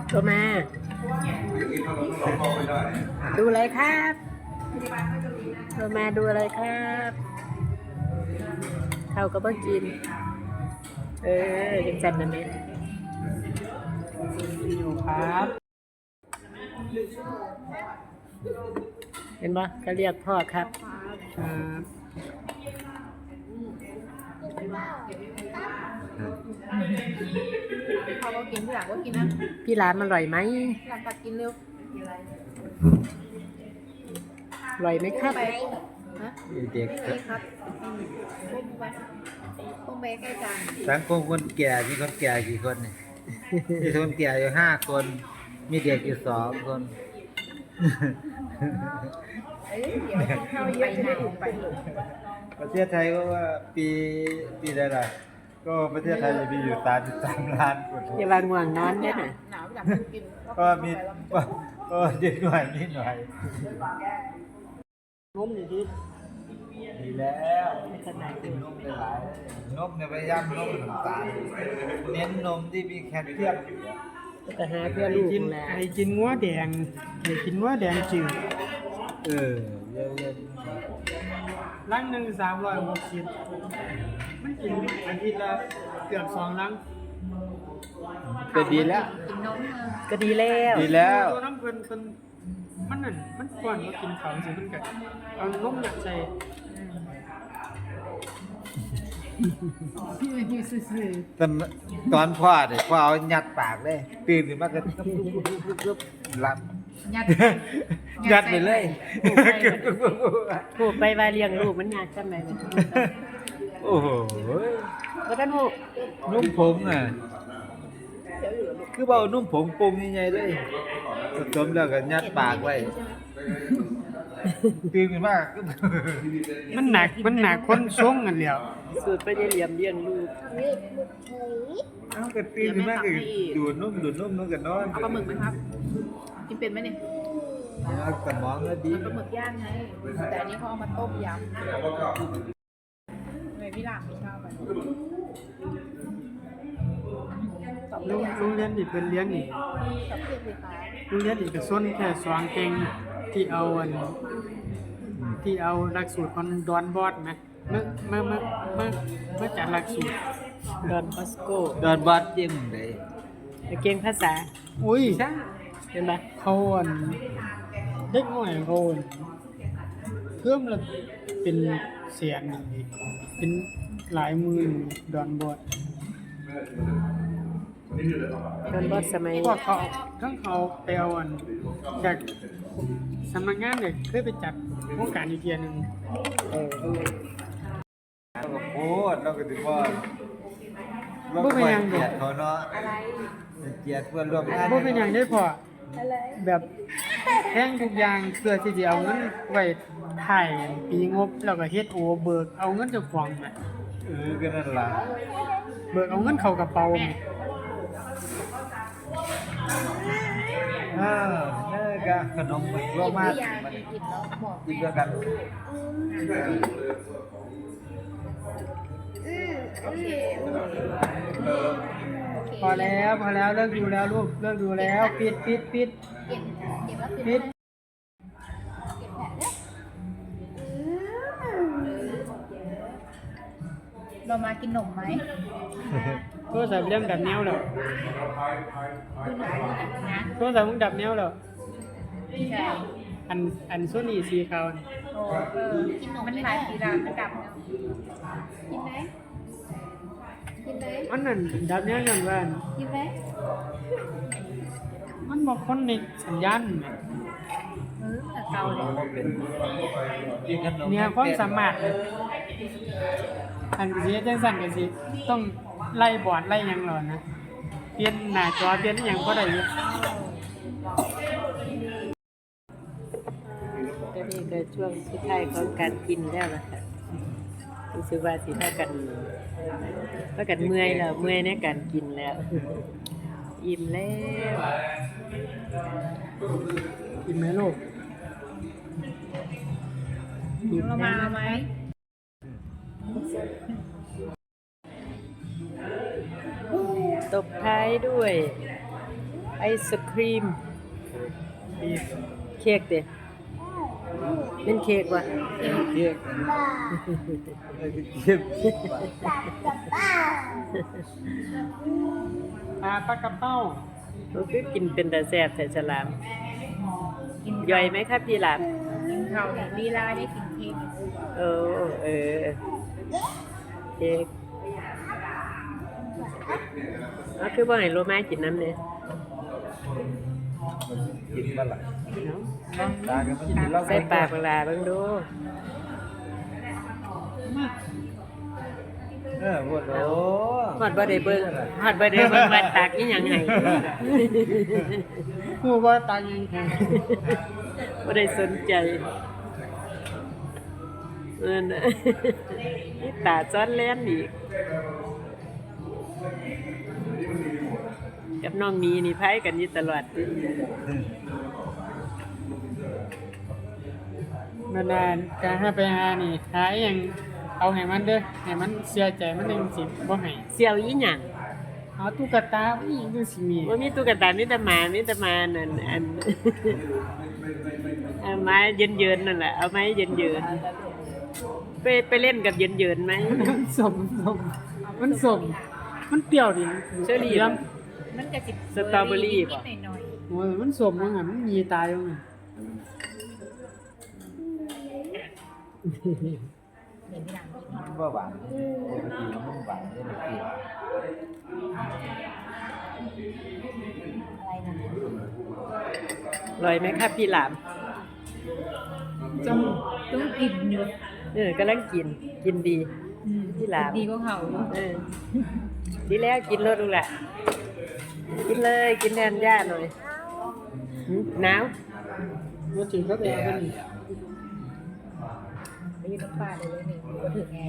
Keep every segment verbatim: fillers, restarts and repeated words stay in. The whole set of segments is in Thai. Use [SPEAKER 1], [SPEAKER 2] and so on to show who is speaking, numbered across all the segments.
[SPEAKER 1] ตัวมาดูอะไรครับตัวมาดูอะไรครับเขาก็บ่กินเออจังจันนั่นเองอยู่ครับเห็นปะเขาเรียกพ่อครับครับ
[SPEAKER 2] เขาก็กินพี่หลังก็กินนะ
[SPEAKER 1] พี่ร้านมันอร่อยไหม
[SPEAKER 2] หลังตัดกินเร็ว
[SPEAKER 1] อร่อยไหมครับ
[SPEAKER 2] ฮะ
[SPEAKER 3] เด็ก
[SPEAKER 2] ครับปุ้มไปปุ้มไปใกล้จาน
[SPEAKER 3] สังคมคนแก่มีคนแก่กี่คนเนี่ยมีคนแก่อยู่ห้าคนมีเด็กอยู่สองคน
[SPEAKER 2] เอ้ยเดี๋ยวกินข้าวเยอะจะได้อุ่นไป
[SPEAKER 3] ประเทศไทยก็ว่าปีปีใดล่ะก็ประเทศไทยจะมีอยู่สามสิบสามล้านคน
[SPEAKER 1] อย่าวางง่วงนอนได้น่ะ
[SPEAKER 2] หนาวอยากกิน
[SPEAKER 3] ก็มีก็เด็กหน่อยนิดหน่อย
[SPEAKER 1] นมอยู่ที่
[SPEAKER 3] ดีแล้วกินนมหลายนมเนี่ยพยายามนมน้ำตาลเน้นนมที่มีแคลเซียมอยู่
[SPEAKER 1] แต่หาเพื่อลูกแหละ
[SPEAKER 4] ไอ้กินงัวแดงไอ้กินงัวแดงจืด
[SPEAKER 3] เออเยอะ
[SPEAKER 4] ลังหนึ่งสามร้อยหกสิบมันกินอาทิตย์ละเกือบสองลัง
[SPEAKER 3] ก็ดีแล้ว
[SPEAKER 2] กินนม
[SPEAKER 1] ก็ดีแล้ว
[SPEAKER 3] ดีแล้ว
[SPEAKER 4] ตัวน้ำเพิ่นเพิ่นมันนั่นมันก่อนมากินของสิเพิ่นก็เอานมหนักใส่
[SPEAKER 3] ตอนตอนพ่อเด็กพ่อเอายัดปากเลยตื่นขึ้นมาก็หลับ
[SPEAKER 2] ยัด
[SPEAKER 3] ยัดไปเลย
[SPEAKER 1] ผูกไปว่าเลี้ยงลูกมันยากจังได๋
[SPEAKER 3] โอ้โห
[SPEAKER 1] บ่ทันฮู้
[SPEAKER 3] นุ่มผงอ่ะคือเบานุ่มผงปรุงใหญ่ๆเลยผสมแล้วก็ยัดปากไว้ตื่นขึ้นมา
[SPEAKER 4] มันหนักมันหนักคนทรงกันแล้ว
[SPEAKER 1] สูตรไปได้เหลี่ยมเลี้ยงลูก
[SPEAKER 3] เอ้าก็ตื่นขึ้นมาก็ดูดนุ่มดูดนุ่มนุ่มกันนอน
[SPEAKER 2] เอาปลาหมึกไหมครับกินเป็นไหมเนี่ย
[SPEAKER 3] สมองก็ดี
[SPEAKER 2] ปลาหมึกย่างไงแต่อันนี้เขาเอามาต้มยำเลยพี่หลังไม่ชอบไป
[SPEAKER 4] โรงเรียนนี่เพิ่นเลี้ยงนี่โรงเรียนนี่ก็ส่วนแค่สองเก่งที่เอาอันที่เอาหลักสูตรของดอนบอสมั้ยเมื่อเมื่อเมื่อเมื่อเมื่อจัดหลักสูตร
[SPEAKER 1] ดอนบอสโก
[SPEAKER 3] ดอนบอสจิ้มได้
[SPEAKER 1] เก่งภาษา
[SPEAKER 4] อุ้ย
[SPEAKER 1] เห็นบ่
[SPEAKER 4] เขาอันเด็กน้อยเขาเพิ่มละเป็นแสนนี่เป็นหลายหมื่นดอนบอส
[SPEAKER 1] ดอนบอสสมัย
[SPEAKER 4] พวกเขาทั้งเขาไปเอาอันจากสำนักงานเนี่ยเคยไปจัดโครงการอีกเทียนึง
[SPEAKER 1] เออ
[SPEAKER 3] โอ้เราก็ถือว่าบ่เป็นหยังเกียรติเขาเนาะอะไรเกียรติเพื่อนร่วมงาน
[SPEAKER 4] บ่เป็นหยังได้พอแบบแท่งทุกอย่างเพื่อที่จะเอาเงินไว้ถ่ายปีงบแล้วก็เฮ็ดโอเบิกเอาเงินเจ้าของแหม
[SPEAKER 3] เออก็นั่นล่ะ
[SPEAKER 4] เบิกเอาเงินเข้ากระเป๋าแหม
[SPEAKER 3] เออเด้อก็ขนมมันรวมมามันกินด้วยกัน
[SPEAKER 4] พอแล้วพอแล้วเลิกดูแล้วลูกเลิกดูแล้วปิดปิดปิดปิด
[SPEAKER 2] เรามากินขนมไหม
[SPEAKER 4] โทรศัพท์เรื่องดับแนวแล้วโทรศัพท์มึงดับแนวแล้ว
[SPEAKER 2] ใช่
[SPEAKER 4] อันอันโซนี่สีขาว
[SPEAKER 2] โอ้เออกินขนมมันขายสีดำมันดับกินไหมกินไหม
[SPEAKER 4] มันนั่นดับแนวนั่นว่า
[SPEAKER 2] กินไหม
[SPEAKER 4] มันบอกคนในสัญญาณไหม
[SPEAKER 2] เออเก่าเลย
[SPEAKER 4] เนี่ยความสามารถอันสิจังสั่นกันสิต้องไล่บอร์ดไล่ยังหรอนะเปลี่ยนหน้าจอเปลี่ยนอย่างก็ได้อยู่
[SPEAKER 1] ก็นี่ก็ช่วงสุดท้ายของการกินแล้วล่ะค่ะรู้สึกว่าสิถ้ากันถ้ากันเมื่อยแล้วเมื่อยในการกินแล้วอิ่มแล้ว
[SPEAKER 4] อิ่มไหมลูก
[SPEAKER 2] อิ่มเรามาไหม
[SPEAKER 1] ตบท้ายด้วยไอศครีม
[SPEAKER 4] ดี
[SPEAKER 1] เค้กเด้เป็นเค้กวะ
[SPEAKER 3] เค้กไอ้เค้ก
[SPEAKER 4] ปลาปลากระเป้า
[SPEAKER 1] มันคือกินเป็นแต่แซ่บแต่ฉลาม
[SPEAKER 2] กิน
[SPEAKER 1] ย่อยไหมครับพี่หลาม
[SPEAKER 2] กินข้าวเนี่ยลีลาได้กินเค้ก
[SPEAKER 1] เออเออเค้กอ๋อคือบ่ให้โลมากินน้ำเนี่ย
[SPEAKER 3] กินมาหลายตากันมันกินแล้ว
[SPEAKER 1] ใส่ปากเวลาเบิ่งดู
[SPEAKER 3] เออปวดโอ้
[SPEAKER 1] ฮอดบ่ได้เบิ่งฮอดบ่ได้เบิ่งว่าตากอีหยังให้
[SPEAKER 4] ผู้ว่าตายยังไง
[SPEAKER 1] บ่ได้สนใจเออนะนี่ตาซ้อนแล่นอีกกับน้องมีนี่ไผกันอยู่ตลอด
[SPEAKER 4] มานานการให้ไปหานี่หาอหยังเอาให้มันเด้อให้มันเสียใจมันยังสิบ่ให้
[SPEAKER 1] เสี่ยวอีหยัง
[SPEAKER 4] เอาตุ๊กตาอีหยังจังสิมี
[SPEAKER 1] ว่ามีตุ๊กตามีแต่หมามีแต่หมานั่นอัน เอาไม้เย็นๆนั่นแหละเอาไม้เย็นๆไปไปเล่นกับเย็นๆไหม
[SPEAKER 4] มันสมสมมันสมมันเปรี้ยวดิ
[SPEAKER 1] เชอรี่
[SPEAKER 4] ย้
[SPEAKER 2] มันก็สิ
[SPEAKER 1] สตรอเบอรี่
[SPEAKER 2] นิ
[SPEAKER 1] ป่ะ
[SPEAKER 2] ดๆหน่อย
[SPEAKER 4] ำโอ้ยมันสมว่างั้นมันมีตายว่างั้น
[SPEAKER 2] ๆเดี๋ยวพี่หลังกิน
[SPEAKER 3] มันว่าหวานปกติมันหวานได้เลยเปรี้ยว
[SPEAKER 2] อะไรนะ
[SPEAKER 1] อร่อยไหมครับพี่หลาม
[SPEAKER 2] ต้องต้องกินอยู่
[SPEAKER 1] เออกำลังกินกินดี
[SPEAKER 2] อืม
[SPEAKER 1] พี่หลาม
[SPEAKER 2] ดีกว่าเขาอยู่
[SPEAKER 1] เออดีแล้วกินรสดูแหละกินเลยกินแทนย่าหน่อยหืมหนาว
[SPEAKER 4] ว่าถึงก็แย่กันนี่
[SPEAKER 2] ได้ยินน้ำปลาเลยเลยนี่ก็ถึงไง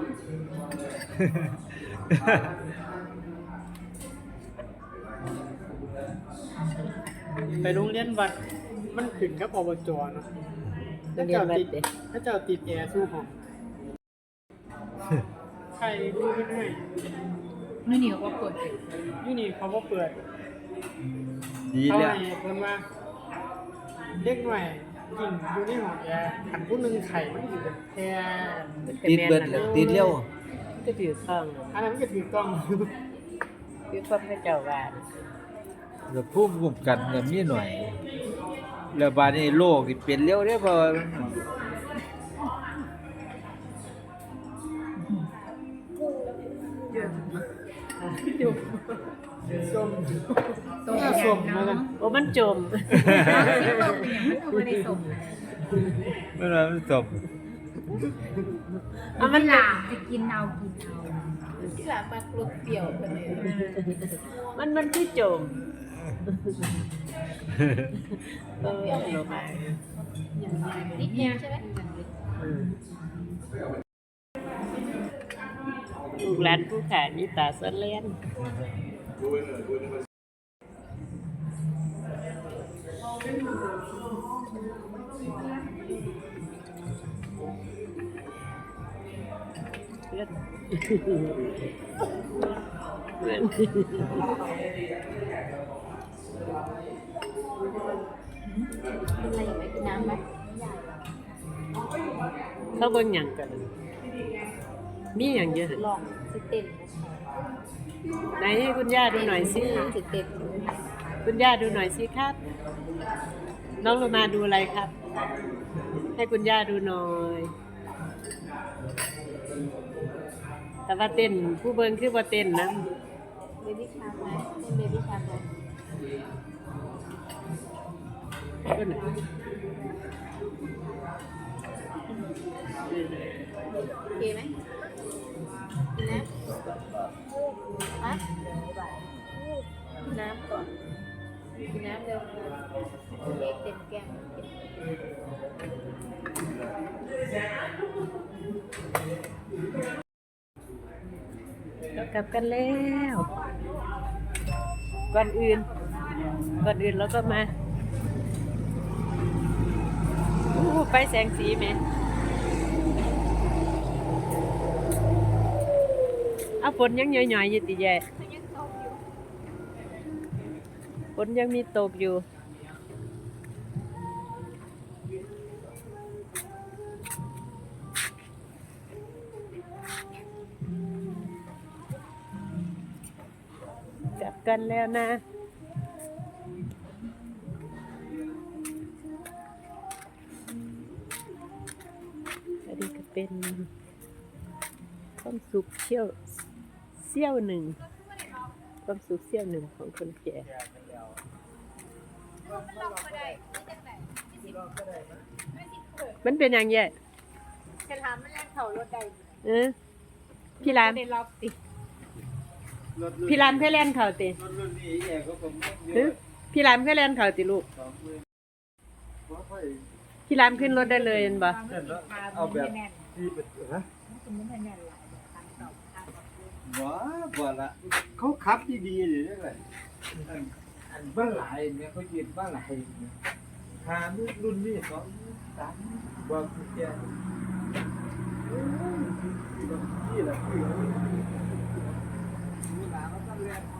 [SPEAKER 4] ไปโรงเรียนวัดมันขึ้นกับอบจเนาะ
[SPEAKER 1] โรงเรียนวัดเด้
[SPEAKER 4] ถ้าเจ้าติดแอร์สู้ห้องใครดูเพิ่นให้
[SPEAKER 2] นี่นี่ก็เปิดเลย
[SPEAKER 4] อยู่นี่เขาบ่เปิด
[SPEAKER 3] ดี
[SPEAKER 4] เขา
[SPEAKER 3] แล้ว
[SPEAKER 4] ให้เพิ่นว่าเด็กหน่อยกินอยู่ในห้องแอร์อันผู้หนึงไข่มันสิเป็นแค่
[SPEAKER 3] ติดเบิดแล้วติดเร็ว
[SPEAKER 1] ก็ถือข้อง
[SPEAKER 4] อันนั้นมันก็ถือกล้อง
[SPEAKER 1] คือความพระเจ้าว่า
[SPEAKER 3] แล้วภูมิคุ้มกันก็มีหน่อย แล้วบาดนี้โรคนี่เป็นเร็วเด้อเพราะว่า
[SPEAKER 4] ส้ม
[SPEAKER 2] ต้ม
[SPEAKER 4] น่าส้มมา
[SPEAKER 2] เนาะ
[SPEAKER 4] กัน
[SPEAKER 1] โอ้มันจม
[SPEAKER 2] ที่ต้มเป็นอย่างมันก็ไม่ได้ส่ง
[SPEAKER 3] มันว่ามันจบ
[SPEAKER 1] เอามัน
[SPEAKER 2] ห
[SPEAKER 1] ห
[SPEAKER 2] ลา
[SPEAKER 1] ลาม
[SPEAKER 2] จะกินเอากินเอาที่หลามมากรุบเปรี้ยวไปเลย
[SPEAKER 1] มันมันคือจมเออลงมา
[SPEAKER 2] นิดเดียวใช่ไหม
[SPEAKER 1] ลูกหลานผู้ขายมีตาสะเล่นเพื่อนเพื่อน
[SPEAKER 2] อะไรไหมกินน้ำไหม
[SPEAKER 1] เขาเบิ่งหยังกัน มีหยังเยอะ
[SPEAKER 2] ลองสิเต้น
[SPEAKER 1] ไหนให้คุณย่าดูหน่อยสิ
[SPEAKER 2] สิเต้น
[SPEAKER 1] คุณย่าดูหน่อยสิครับ น้องโลมาดูอะไรครับ ให้คุณย่าดูหน่อย แต่ว่าเต้นผู้เบิ่งคือว่าเต้นนะ
[SPEAKER 2] เบบี้ชาร์กไหมเบบี้ชาร์กไหม
[SPEAKER 1] ก็ไหน
[SPEAKER 2] โอเคไหมกินน้ำฮะกินน้ำก่อนกินน้ำเร็วเล็กเต็มแก้ม
[SPEAKER 1] เรากลับกันแล้ว ก่อนอื่น ก่อนอื่นเราก็มาอู้ไปแสงสีไหม เอาฝนยังหน่อยๆอยู่ติแย่ฝนยังมีตกอยู่กลับกันแล้วนะอันนี้ก็เป็นความสุขเที่ยวเสี้ยวหนึ่งความสุขเสี้ยวหนึ่งของคนแก่มันเป็นอย่างแย่
[SPEAKER 2] จะถามมันแล่นเขารถใด
[SPEAKER 1] เออพี่ราม
[SPEAKER 2] ได้รอบติ
[SPEAKER 3] รถรุ่น
[SPEAKER 1] พี่รามเคยเล่นเขาติ
[SPEAKER 3] รถรุ่นนี้แย่ก็ผมเย
[SPEAKER 1] เออ
[SPEAKER 3] อะ
[SPEAKER 1] พี่รามเคยเล่นเขาติลูก
[SPEAKER 3] สองหมื่นบ่ค่อย
[SPEAKER 1] พี่รามขึ้นรถได้เลยเห็นบ่
[SPEAKER 3] เห็นแล้วเอาแบบที่เป็นฮะว้าบ่ละเขาขับดีๆอยู่ได้เลยอันอันบ้านหลายเนี่ยเขายืนบ้านหลายเนี่ยหารุ่นนี้สองสามบอกคุณแกโอ้ยนี่แหละคือเวลาเขาต้องเรียนว่า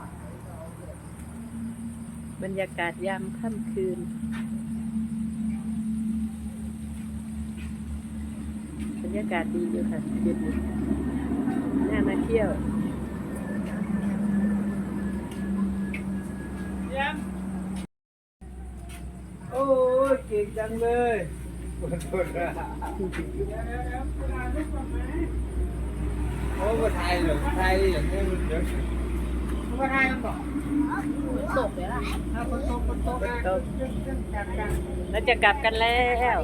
[SPEAKER 1] บรรยากาศยามค่ำคืนบรรยากาศดีอยู่ค่ะเย็นดีน่ามาเที่ยว
[SPEAKER 3] โอ้ยเก่งจังเลยขอโทษนะโอ้มาไทยเหรอไทยอย่างนี้มันเยอะ
[SPEAKER 4] มาทายกันต่อ
[SPEAKER 2] ตกเลยล่ะ
[SPEAKER 4] ถ้าคนโตคนโตกันจัดกัน
[SPEAKER 1] แล้วจะกลับกันแล้ว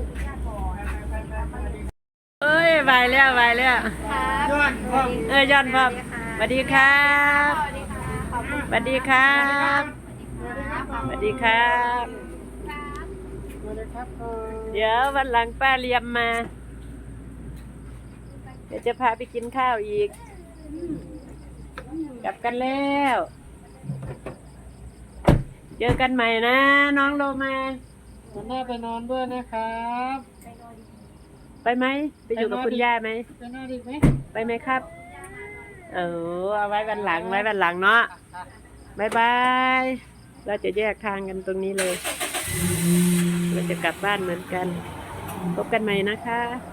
[SPEAKER 1] เอ้ยไปแล้วไปแล้ว
[SPEAKER 4] ย้อนพ่อ
[SPEAKER 1] เอ้ยย้อนพ่อสวัสดีครับ
[SPEAKER 2] สวัสดีค่ะขอบคุณ
[SPEAKER 1] สวัสดีครับสวัสดีครับ
[SPEAKER 4] สวัสดีครับพ่อ
[SPEAKER 1] เดี๋ยววันหลังป้าเลียมมา เดี๋ยวจะพาไปกินข้าวอีก กลับกันแล้ว เจอกันใหม่นะ น้องโลมา
[SPEAKER 4] วันหน้าไปนอนด้วยนะครับ
[SPEAKER 1] ไปไหม ไปอยู่กับคุณย่าไหม
[SPEAKER 4] ไปนอนอีกไหม
[SPEAKER 1] ไปไหมครับ เออเอาไว้วันหลังไว้วันหลังเนาะบายบาย เราจะแยกทางกันตรงนี้เลย เราจะกลับบ้านเหมือนกัน พบกันใหม่นะคะ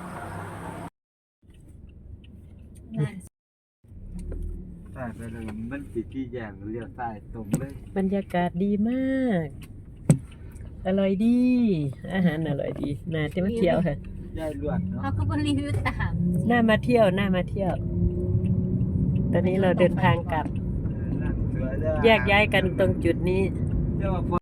[SPEAKER 3] ใช่ไปเลยมันติดที่แยงเลี้ยวใต้ตรงเลย
[SPEAKER 1] บรรยากาศดีมาก อร่อยดี อาหารอร่อยดี น่าจะมาเที่ยวค่ะ
[SPEAKER 3] ย่ายลวดเนาะ
[SPEAKER 2] เขาก็บรีวิวตาม
[SPEAKER 1] น่ามาเที่ยว น่ามาเที่ยว ตอนนี้เราเดินทางกลับ
[SPEAKER 3] เออนั่งเสือได้
[SPEAKER 1] แยกย้ายกันตรงจุดนี้
[SPEAKER 3] เรียกว่า